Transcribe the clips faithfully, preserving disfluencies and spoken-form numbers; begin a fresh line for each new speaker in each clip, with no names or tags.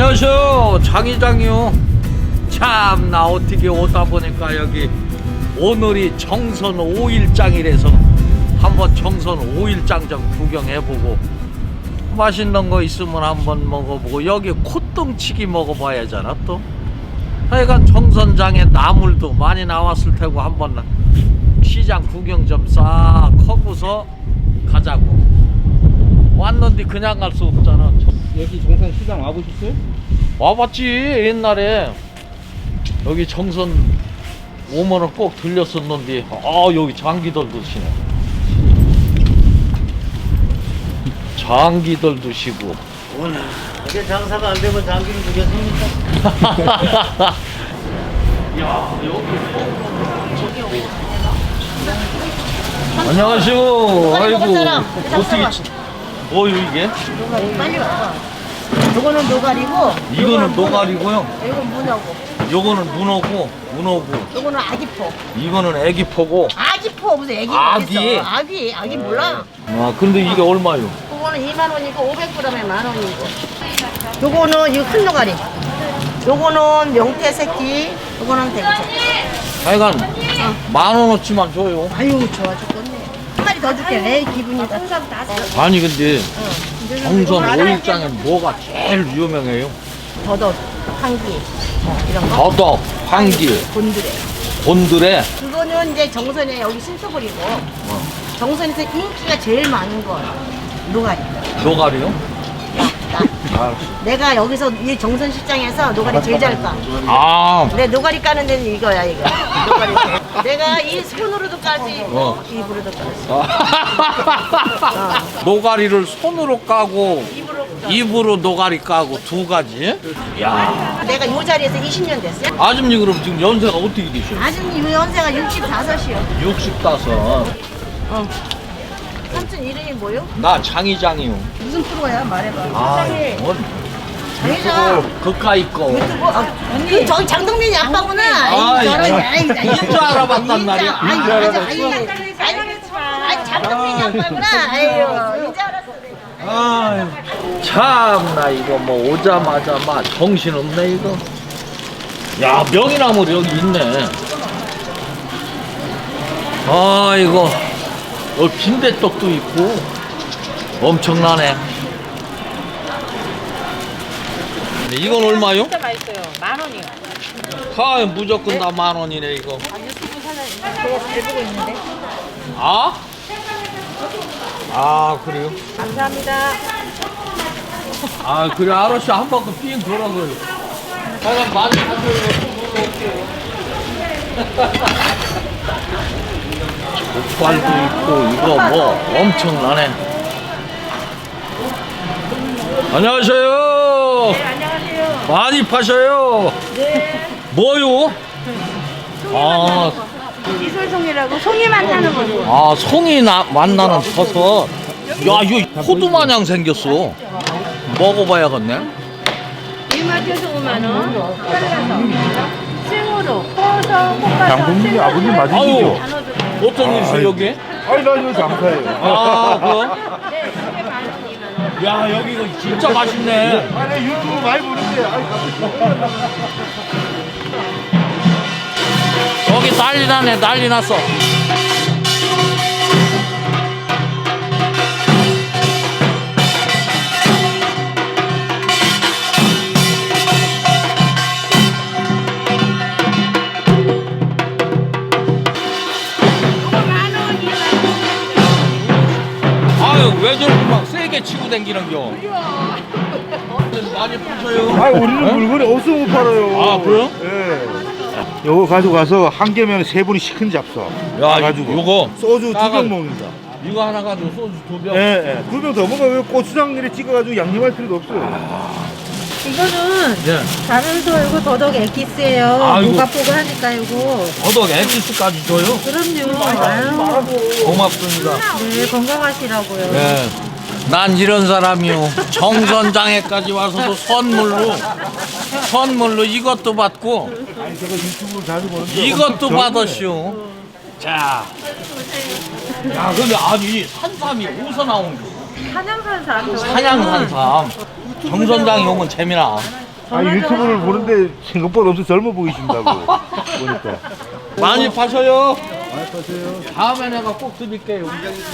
안녕하세요, 장이장이요. 참나 어떻게 오다 보니까 여기 오늘이 정선 오 일장이라서 한번 정선 오 일장 좀 구경해보고 맛있는 거 있으면 한번 먹어보고 여기 콧등치기 먹어봐야잖아. 또 하여간 정선장에 나물도 많이 나왔을 테고 한번 시장 구경 좀 싹 하고서 가자고. 왔는데 그냥 갈 수 없잖아.
여기 정선 시장 와보셨어요?
와봤지. 옛날에 여기 정선 오면은 꼭 들렸었는데 아 여기 장기들 드시네. 장기들 드시고.
오늘 이게 장사가 안 되면 장기를 주겠습니까?
야 여기 안녕하세요. 아이고 어떻게 뭐요 이게?
노가리 빨리 와봐. 요거는 노가리고
이거는 노가리고요.
이건 문어고
요거는 문어고 문어고
요거는 아기포.
이거는 애기포고.
아기포 무슨 애기
아기?
어딨어? 아기 아기 몰라.
아 근데 이게 얼마요?
요거는 이만 원이고 오백 그램에 만 원이고. 요거는 이거 큰 노가리. 요거는 명태 새끼. 요거는 대구 새끼.
하여간 만 원어치만 줘요.
아유 좋아 죽겠네. 한 마리 더 줄게. 내 기분이다.
아니 근데 정선 오 일장에 뭐가 제일 유명해요?
더덕, 황기 뭐 이런 거.
더덕, 황기,
곤드레.
곤드레.
그거는 이제 정선에 여기 신서버리고 정선에서 인기가 제일 많은 건 노가리.
노가리요?
나, 나. 내가 여기서 이 정선 시장에서 노가리 제일 잘 까.
아
내 노가리 까는 데는 이거야 이거. 노가리. 내가 이 손으로도 까지,
어.
입으로도 까지.
노가리를 손으로 까고
입으로 까.
입으로 노가리 까고 두 가지? 야
내가 이 자리에서 이십 년 됐어요.
아줌님 그럼 지금 연세가 어떻게 되셔요?
아줌님 이 연세가 육십오이요.
육십다섯.
어. 삼촌 이름이 뭐요?
나 장이장이요.
무슨 프로야? 말해봐.
아, 뭔
장이장.
그까이 거.
유튜브? 아, 그 저기 장동민이 아빠구나.
아,
아이, 저런,
이거
아이, 나
인줄 알아봤단 말이야.
아이,
인줄
맞아,
알아봤지.
아이, 아이, 아이, 장동민이 아빠구나. 아유, 이제 알았어.
아유, 참나 이거 뭐 오자마자 막 정신없네 이거. 야 명이나물 여기 있네. 아 이거 어, 빈대떡도 있고 엄청나네. 근데 이건 얼마요?
진짜 맛있어요. 만 원이요.
아 무조건 다 만 원이네 이거.
제가 잘 보고 있는데.
아? 아 그래요?
감사합니다.
아 그래 아저씨 한 바퀴 삥 돌아서요. 잠깐 많이 가져요. 족발도 있고 이거 뭐 엄청나네. 안녕하세요.
네, 안녕하세요.
많이 파셔요.
네.
뭐요? 아,
이솔송이라고 송이 만나는 거죠.
아 송이 나, 만나는 버섯. 야 이거 호두 마냥 생겼어. 먹어봐야겠네.
이마트에서 오만 원. 잘라서. 생으로 퍼서 볶아서.
장동민이 아버님 맞으시죠?
아유 어떤 일이세요 여기?
아니 나 이거 장사예요.
아 그거?
네, 이게 만 원이면.
야 여기 이거 진짜 맛있네.
아니 유튜브 많이 보는데 아니
여기 난리 나네. 난리 났어. 아유 왜 저렇게 막 세게 치고 댕기는겨. 많이 파셔요.
아니 우리는 물건이 없어 못 팔아요.
아, 그래요?
예. 요거 가져가서 한 개면 세 분이 시큰 잡숴.
야
가지고
요거
소주 두
따가-
병 먹는다.
이거 하나 가지고 소주 두 병.
예, 예. 두 병 더 먹어. 왜 고추장들에 찍어가지고 양념할 필요도 없어요.
이거는
네.
다른 소이고 더덕 엑기스예요.
아이고.
모가포가 하니까 이거.
더덕 엑기스까지 줘요?
그럼요. 아유.
고맙습니다.
네, 건강하시라고요.
네. 난 이런 사람이요. 정선장에까지 와서도 선물로 선물로 이것도 받고
아니 제가 유튜브를 자주 보는데
이것도
엄청
받았쇼. 자. 야 근데 아니 산삼이 어디서 나온 거?
한양산 사람.
산양산삼. 정선장이 오면 재미나.
아니 유튜브를 보는데 생각보다 엄청 젊어 보이신다고 보니까.
많이 파셔요. 많이 파세요. 다음에 내가 꼭 드릴게요.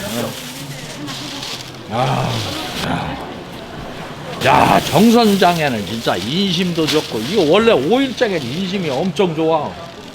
아, 야, 정선장에는 진짜 인심도 좋고, 이거 원래 오일장에는 인심이 엄청 좋아.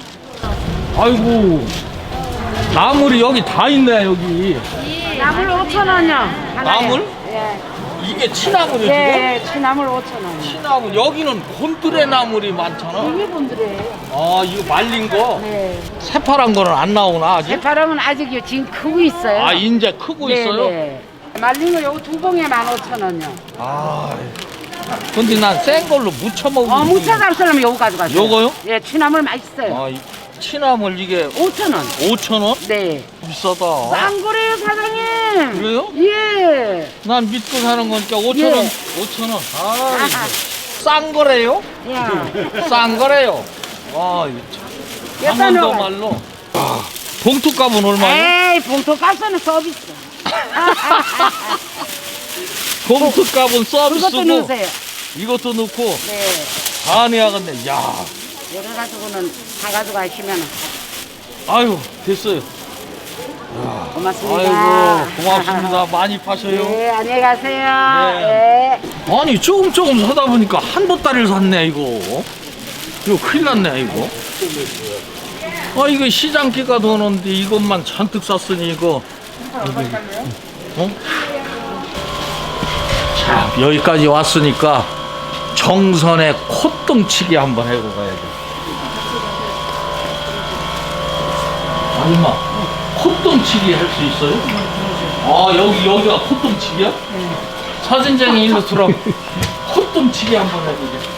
아이고, 나물이 여기 다 있네, 여기.
나물 오천 원이요.
나물?
예.
이게 치나물이지,
예, 예, 취나물 오천 원.
치나물. 여기는 곤드레 나물이 많잖아.
이게 분들이에요.
아, 이거 말린 거.
네.
새파란 거는 안 나오나, 아직?
새파랑은 아직요. 지금 크고 있어요.
아, 이제 크고
네,
있어요?
네. 말린 거 요거 두 봉에 만 오천 원이요.
아, 근데 난 센 걸로 무쳐 먹으면.
어, 무차 잡수려면 요거 가져가세요.
요거요?
예, 취나물 맛있어요.
아, 이 치나물 이게
오천 원.
오천 원?
네.
비싸다.
싼 거래요, 사장님.
그래요?
예.
난 믿고 사는 거니까 오천 원.
예.
오천 원. 아,
아하.
이거 싼 거래요?
야.
싼 거래요. 아, 이거 참.
몇
강원도
단어가?
말로. 아, 봉투값은 얼마예요?
에이, 봉투 값은 서비스.
봉투값은
그것도
서비스고
넣으세요.
이것도 넣고
네.
안해야겠네. 야,
이래 가지고는 다 가져가시면
아유 됐어요.
고맙습니다.
아이고 고맙습니다. 많이 파셔요.
네, 안녕히 가세요.
네.
네.
아니 조금 조금 사다 보니까 한 보따리를 샀네 이거. 이거 큰일 났네 이거. 아 이거 시장기가 도는데 이것만 잔뜩 샀으니 이거. 이거 어? 자 여기까지 왔으니까 정선의 콧등치기 한번 해고 가야 돼. 아줌마 콧등치기 할 수 있어요? 아 여기 여기가 콧등치기야? 네. 사진장이 일로 들어. 콧등치기 한번 해보게.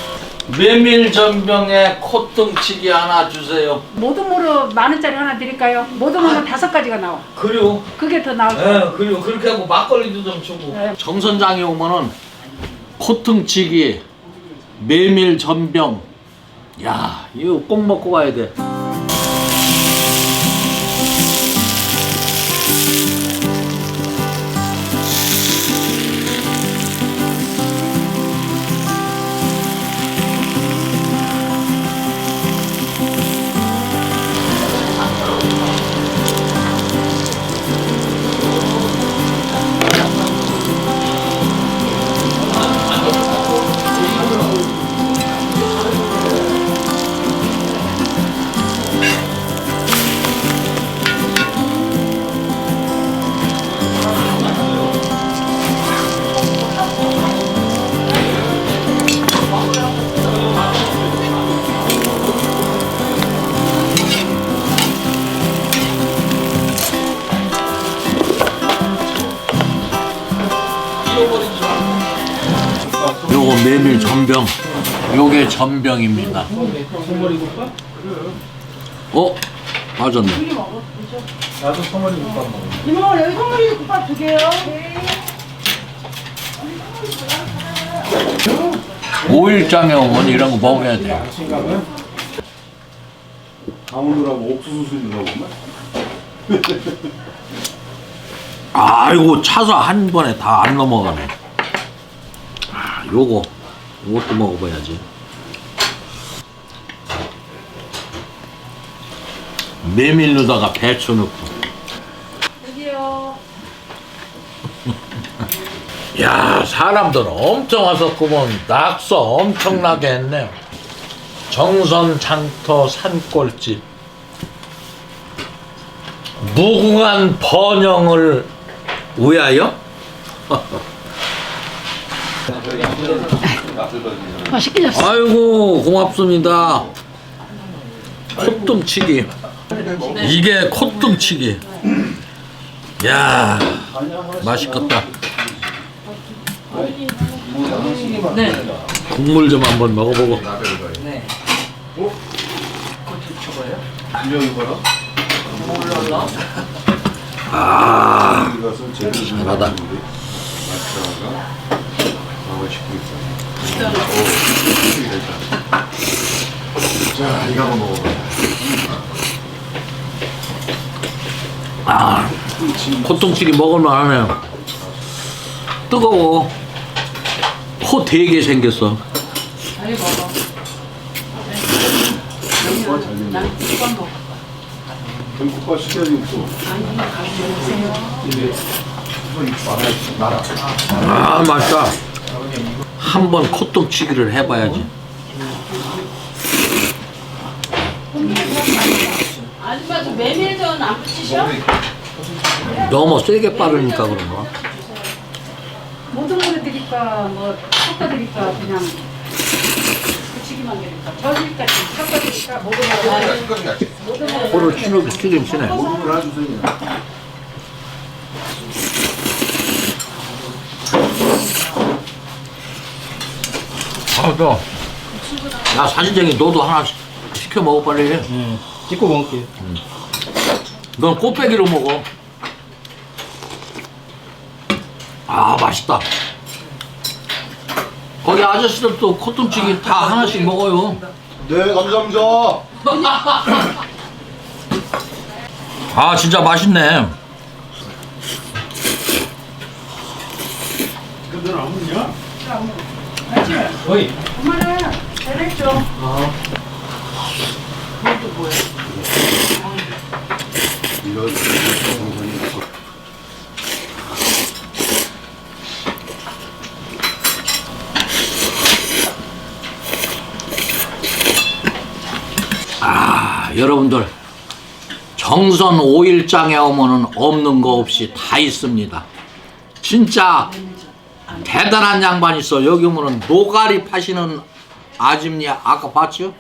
메밀전병에 콧등치기 하나 주세요.
모든 모로 만 원짜리 하나 드릴까요? 모든 모로 다섯 가지가 나와.
그래요?
그게 더 나을
예,
거예요.
그래요. 그렇게 하고 막걸리도 좀 주고.
네.
정선장에 오면은 콧등치기, 메밀전병. 야, 이거 꼭 먹고 가야 돼. 요거 메밀 전병. 요게 전병입니다. 어? 맞았네.
이모, 여기 선물이 국밥 두 개요.
오일장에 오면 이런 거 먹어야 돼.
강원도라고 옥수수 수준가 보면.
아이고 차서 한 번에 다 안 넘어가네. 아, 요거 요것도 먹어봐야지. 메밀 넣다가 배추 넣고.
여기요.
야 사람들 엄청 왔었구먼. 낙서 엄청나게 했네요. 정선 장터 산골집. 무궁한 번영을 위하여?
맛있게 졌어.
아이고 고맙습니다. 콧등치기. 이게 콧등치기. 야 맛있겠다.
네.
국물 좀 한번 먹어보고.
네.
아 잘하다.
자, 이거 한번 먹어봐.
아 콧등치기 먹을만 하네요. 뜨거워. 코 되게 생겼어.
빨리 먹어. 난 국밥 먹어.
국밥 시켜야지 없어.
아 맛있다. 한번 콧등치기를 해봐야지.
아줌마 저 메밀전 안 붙이셔?
너무 세게 빠르니까 그런가?
모든 거 드릴까 뭐 섞어 드릴까 그냥 붙이기만 드릴까 저질까지 섞어 드릴까 모든 거
코를 치는 치긴 치네.
하나 주세요.
아, 또. 야, 사진쟁이, 너도 하나 시- 시켜 먹어, 빨리.
찍고 먹을게.
넌 꽃배기로 먹어. 아, 맛있다. 거기 아저씨들도 콧등치기 다 하나씩 먹어요.
네, 감사합니다.
아, 진짜 맛있네.
엄마는 잘했죠?
아, 여러분들. 정선 오일장에 오면은 없는 거 없이 다 있습니다. 진짜 대단한 양반 있어. 여기 오면은 노가리 파시는 아줌니 아까 봤죠?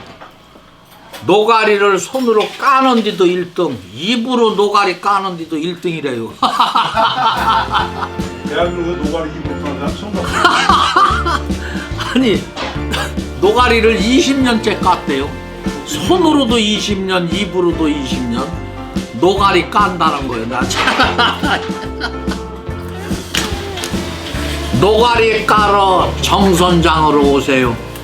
노가리를 손으로 까는 데도 일 등, 입으로 노가리 까는 데도 일 등이래요.
대한민국에 노가리 힘 못하는 사람 처음 봤어.
아니, 노가리를 이십 년째 깠대요. 손으로도 이십 년, 입으로도 이십 년. 노가리 깐다는 거예요. 나 참. 노가리 까러 정선장으로 오세요.